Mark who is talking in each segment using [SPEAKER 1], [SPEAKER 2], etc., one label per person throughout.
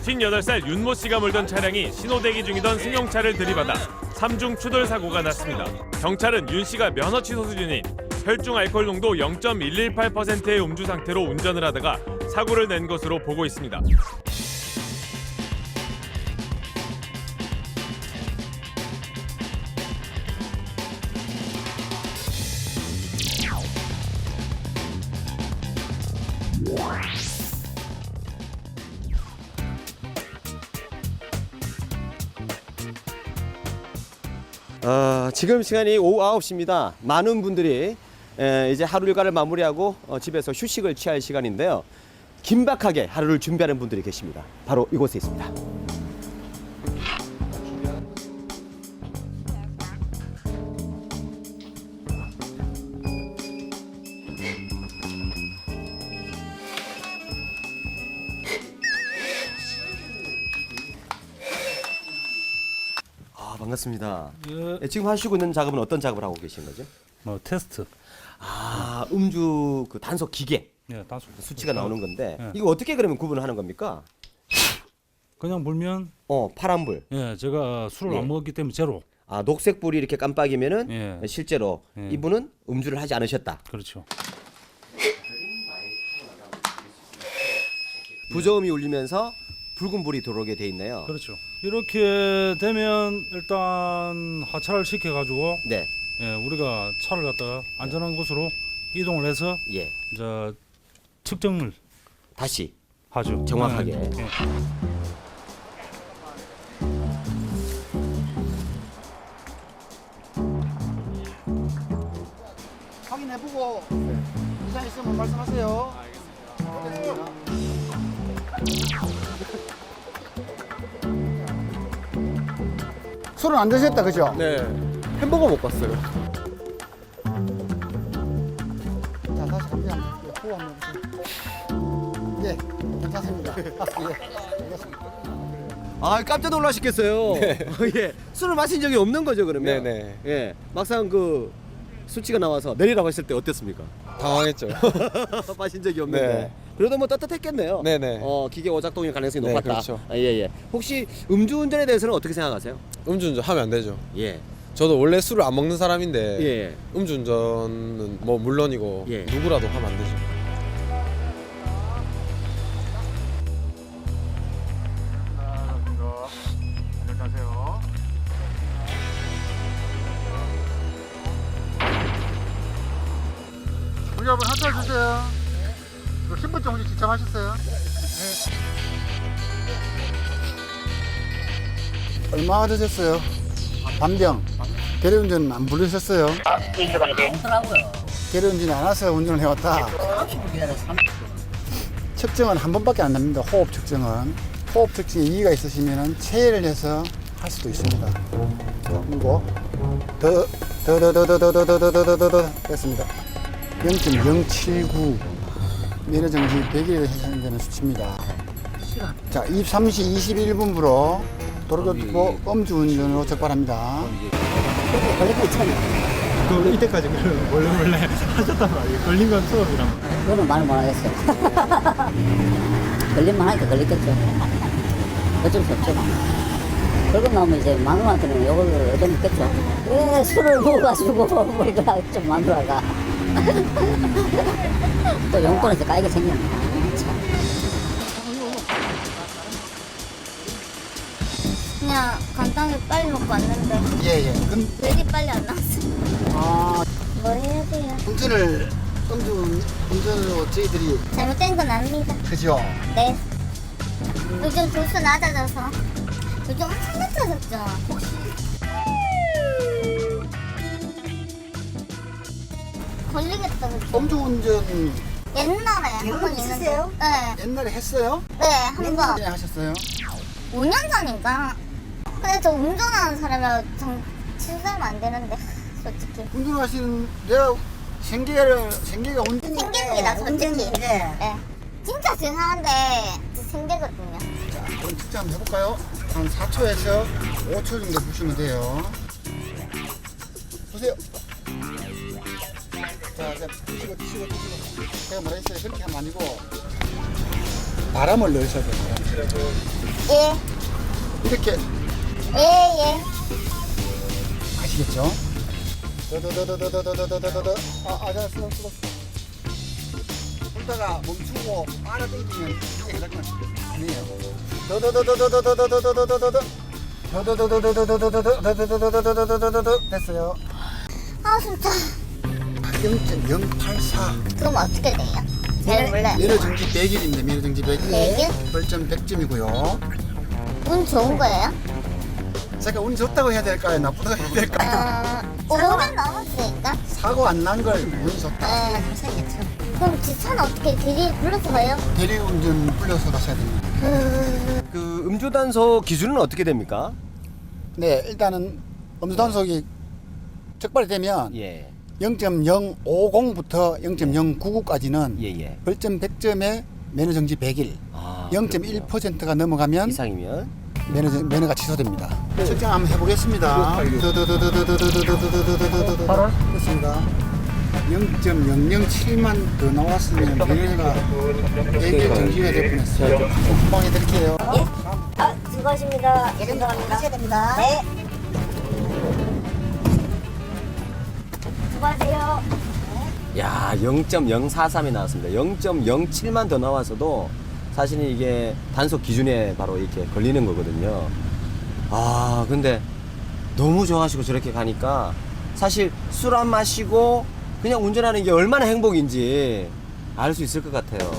[SPEAKER 1] 58살 윤모 씨가 몰던 차량이 신호대기 중이던 승용차를 들이받아 3중 추돌 사고가 났습니다. 경찰은 윤 씨가 면허 취소 수준인 혈중 알코올 농도 0.118%의 음주 상태로 운전을 하다가 사고를 낸 것으로 보고 있습니다.
[SPEAKER 2] 지금 시간이 오후 9시입니다. 많은 분들이 이제 하루 일과를 마무리하고 집에서 휴식을 취할 시간인데요. 긴박하게 하루를 준비하는 분들이 계십니다. 바로 이곳에 있습니다. 반갑습니다.
[SPEAKER 3] 예.
[SPEAKER 2] 지금 하시고 있는 작업은 어떤 작업을 하고 계신 거죠?
[SPEAKER 3] 테스트.
[SPEAKER 2] 음주 그 단속 기계
[SPEAKER 3] 예, 단수.
[SPEAKER 2] 수치가 나오는 건데
[SPEAKER 3] 예.
[SPEAKER 2] 이거 어떻게 그러면 구분을 하는 겁니까?
[SPEAKER 3] 그냥 불면
[SPEAKER 2] 파란불.
[SPEAKER 3] 예, 제가 술을
[SPEAKER 2] 예.
[SPEAKER 3] 안 먹었기 때문에 제로.
[SPEAKER 2] 녹색 불이 이렇게 깜빡이면은
[SPEAKER 3] 예.
[SPEAKER 2] 실제로
[SPEAKER 3] 예.
[SPEAKER 2] 이분은 음주를 하지 않으셨다.
[SPEAKER 3] 그렇죠.
[SPEAKER 2] 부저음이 울리면서 붉은 불이 들어오게 돼 있네요.
[SPEAKER 3] 그렇죠. 이렇게 되면 일단 하차를 시켜 가지고
[SPEAKER 2] 네.
[SPEAKER 3] 예, 우리가 차를 갖다가 안전한 곳으로 이동을 해서
[SPEAKER 2] 예.
[SPEAKER 3] 이제 측정을
[SPEAKER 2] 다시
[SPEAKER 3] 하죠.
[SPEAKER 2] 정확하게.
[SPEAKER 3] 예.
[SPEAKER 4] 확인해보고 이상 있으면 말씀하세요. 알겠습니다. 술은 안 드셨다, 그죠?
[SPEAKER 2] 네. 햄버거 먹고 왔어요.
[SPEAKER 4] 자, 다시 한번 호흡 한번 해보세요. 예, 괜찮습니다. 예, 알겠습니다.
[SPEAKER 2] 깜짝 놀라시겠어요. 예. 술을 마신 적이 없는 거죠, 그러면?
[SPEAKER 5] 네네.
[SPEAKER 2] 예. 막상 그 수치가 나와서 내리라고 했을 때 어땠습니까?
[SPEAKER 5] 당황했죠.
[SPEAKER 2] 마신 적이 없는데.
[SPEAKER 5] 네.
[SPEAKER 2] 그래도 뭐 떳떳했겠네요.
[SPEAKER 5] 네네.
[SPEAKER 2] 기계 오작동일 가능성이
[SPEAKER 5] 네,
[SPEAKER 2] 높았다.
[SPEAKER 5] 그렇죠.
[SPEAKER 2] 예. 혹시 음주운전에 대해서는 어떻게 생각하세요?
[SPEAKER 5] 음주운전 하면 안 되죠.
[SPEAKER 2] 예.
[SPEAKER 5] 저도 원래 술을 안 먹는 사람인데
[SPEAKER 2] 예.
[SPEAKER 5] 음주운전은 뭐 물론이고
[SPEAKER 2] 예.
[SPEAKER 5] 누구라도 하면 안 되죠.
[SPEAKER 4] 안녕하세요. 우리 한번 한잔 주세요. 이거 신분증 혹시 지참하셨어요? 네. 얼마나 드셨어요? 반병. 대리운전 안 부르셨어요? 대리운전이 안 와서 운전을 해왔다. 측정은 한 번밖에 안 납니다. 호흡 측정은. 호흡 측정에 이의가 있으시면 체외를 해서 할 수도 있습니다. 그리고 더 됐습니다. 0.079 면허정지 100일에 해당되는 수치입니다. 자, 23시 21분부로 도로교통법 음주운전으로 적발합니다.
[SPEAKER 6] 그 이때까지 원래 하셨단 말이에요. 걸린 건 처음이란 말이에요.
[SPEAKER 7] 그거는 말 못하겠어요. 걸릴만 하니까 걸리겠죠. 어쩔 수 없죠. 벌금 나오면 이제 만 원한테는 이걸 얻어먹겠죠. 왜 술을 먹어가지고 우리가 좀 만들어가. 또 용돈에서 까이게 생겼네.
[SPEAKER 8] 그냥 간단하게 빨리 먹고 왔는데
[SPEAKER 4] 예.
[SPEAKER 8] 왜 이리 빨리 안 나왔어요? 뭐 해야 돼요?
[SPEAKER 4] 운전으로 저희들이
[SPEAKER 8] 잘못된 건 아닙니다.
[SPEAKER 4] 그죠?
[SPEAKER 8] 네. 요즘 도수 낮아져서 요즘 엄청 낮아졌죠. 혹시 걸리겠다 그죠?
[SPEAKER 4] 음주운전
[SPEAKER 8] 옛날에 한 번 있는데 네.
[SPEAKER 4] 옛날에 했어요?
[SPEAKER 8] 네, 한 번.
[SPEAKER 4] 네, 하셨어요?
[SPEAKER 8] 5년 전인가? 근데 저 운전하는 사람이라 좀 취소하면 안 되는데 솔직히
[SPEAKER 4] 운전하시는 내가 생계가
[SPEAKER 8] 생깁니다 솔직히. 네. 진짜 죄송한데 생기거든요.
[SPEAKER 4] 자, 그럼 측정 한번 해볼까요? 한 4초에서 5초 정도 보시면 돼요. 보세요. 자, 드시고. 제가 뭐라 했어요? 그렇게 하면 아니고 바람을 넣으셔야 돼요.
[SPEAKER 8] 예.
[SPEAKER 4] 이렇게
[SPEAKER 8] 예.
[SPEAKER 4] 아시겠죠? 더더더더더더더더더더. 자, 쓰러. 불다가 멈추고 빨아당기면 이게 그러면 아니에요. 더더더더더더더더더더더더. 더더더더더더더더더더더더더더더더더. 됐어요.
[SPEAKER 8] 아 진짜.
[SPEAKER 4] 0.084.
[SPEAKER 8] 그럼 어떻게 돼요? 잘 몰라요.
[SPEAKER 4] 미러 정지 100일입니다. 미러 정지 100일.
[SPEAKER 8] 100일?
[SPEAKER 4] 벌점 100점이고요.
[SPEAKER 8] 운 좋은 거예요?
[SPEAKER 4] 제가 운 좋다고 해야 될까요? 나쁘다고 해야 될까요?
[SPEAKER 8] 5년 넘었으니까.
[SPEAKER 4] 사고 안 난 걸 운이 좋다.
[SPEAKER 8] 그럼 차는 어떻게 대리 불러서 가요?
[SPEAKER 4] 대리운전 불려서 가셔야 됩니다.
[SPEAKER 2] 그 음주 단속 기준은 어떻게 됩니까?
[SPEAKER 4] 네, 일단은 음주 단속이 적발이 되면
[SPEAKER 2] 예.
[SPEAKER 4] 0.050부터 0.099까지는
[SPEAKER 2] 예.
[SPEAKER 4] 벌점 100점에 매너 정지 100일.
[SPEAKER 2] 아,
[SPEAKER 4] 0.1%가 넘어가면
[SPEAKER 2] 이상이면
[SPEAKER 4] 매너가 취소됩니다. 측정 한번 해보겠습니다. 됐습니다. 0.007만 더 나왔으면 매너가 100일 정지가 될 뻔했어요. 금방 해드릴게요.
[SPEAKER 7] 수고하십니다. 감사합니다.
[SPEAKER 8] 하셔야 됩니다.
[SPEAKER 7] 네. 수고하세요.
[SPEAKER 2] 야, 0.043이 나왔습니다. 0.07만 더 나와서도 사실은 이게 단속 기준에 바로 이렇게 걸리는 거거든요. 아, 근데 너무 좋아하시고 저렇게 가니까 사실 술 안 마시고 그냥 운전하는 게 얼마나 행복인지 알 수 있을 것 같아요.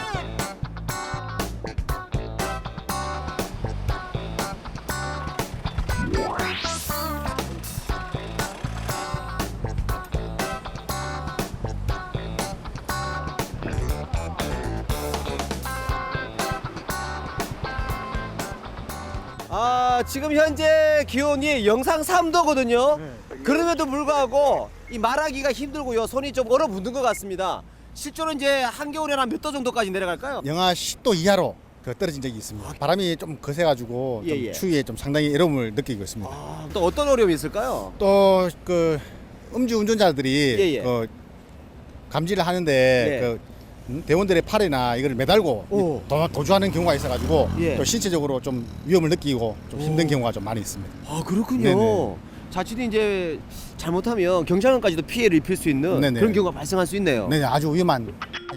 [SPEAKER 2] 아, 지금 현재 기온이 영상 3도거든요. 그럼에도 불구하고 이 말하기가 힘들고요. 손이 좀 얼어붙는 것 같습니다. 실제로 이제 한겨울에는 한 몇 도 정도까지 내려갈까요?
[SPEAKER 9] 영하 10도 이하로 떨어진 적이 있습니다. 바람이 좀 거세가지고 좀
[SPEAKER 2] 예.
[SPEAKER 9] 추위에 좀 상당히 어려움을 느끼고 있습니다.
[SPEAKER 2] 아, 또 어떤 어려움이 있을까요?
[SPEAKER 9] 또 그 음주 운전자들이
[SPEAKER 2] 예.
[SPEAKER 9] 그 감지를 하는데
[SPEAKER 2] 네.
[SPEAKER 9] 그 대원들의 팔이나 이걸 매달고
[SPEAKER 2] 오.
[SPEAKER 9] 도주하는 경우가 있어가지고
[SPEAKER 2] 예.
[SPEAKER 9] 또 신체적으로 좀 위험을 느끼고 좀 힘든 경우가 좀 많이 있습니다.
[SPEAKER 2] 아, 그렇군요.
[SPEAKER 9] 네네.
[SPEAKER 2] 자칫 이제 잘못하면 경찰관까지도 피해를 입힐 수 있는
[SPEAKER 9] 네네.
[SPEAKER 2] 그런 경우가 발생할 수 있네요.
[SPEAKER 9] 네, 아주 위험한.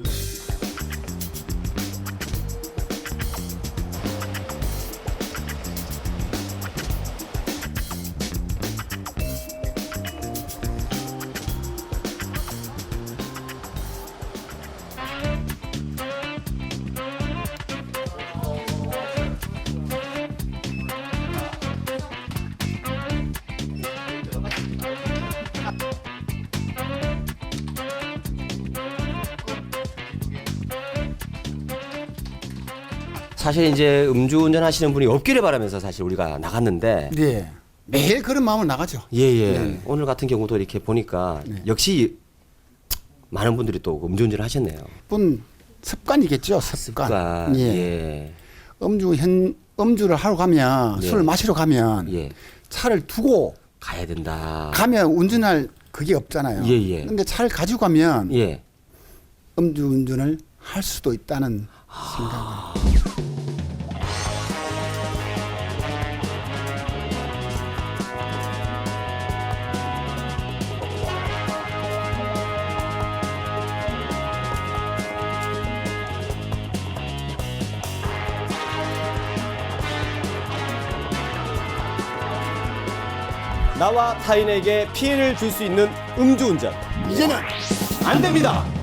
[SPEAKER 2] 사실 이제 음주운전 하시는 분이 없기를 바라면서 사실 우리가 나갔는데
[SPEAKER 4] 네. 매일 그런 마음으로 나가죠.
[SPEAKER 2] 예.
[SPEAKER 4] 네.
[SPEAKER 2] 오늘 같은 경우도 이렇게 보니까
[SPEAKER 4] 네.
[SPEAKER 2] 역시 많은 분들이 또 음주운전을 하셨네요.
[SPEAKER 4] 분 습관이겠죠. 습관.
[SPEAKER 2] 그러니까
[SPEAKER 4] 예. 음주를 하러 가면
[SPEAKER 2] 예.
[SPEAKER 4] 술을 마시러 가면
[SPEAKER 2] 예.
[SPEAKER 4] 차를 두고
[SPEAKER 2] 가야 된다.
[SPEAKER 4] 가면 운전할 그게 없잖아요.
[SPEAKER 2] 예.
[SPEAKER 4] 근데 차를 가지고 가면
[SPEAKER 2] 예.
[SPEAKER 4] 음주운전을 할 수도 있다는 생각을.
[SPEAKER 2] 나와 타인에게 피해를 줄 수 있는 음주운전. 이제는 안 됩니다.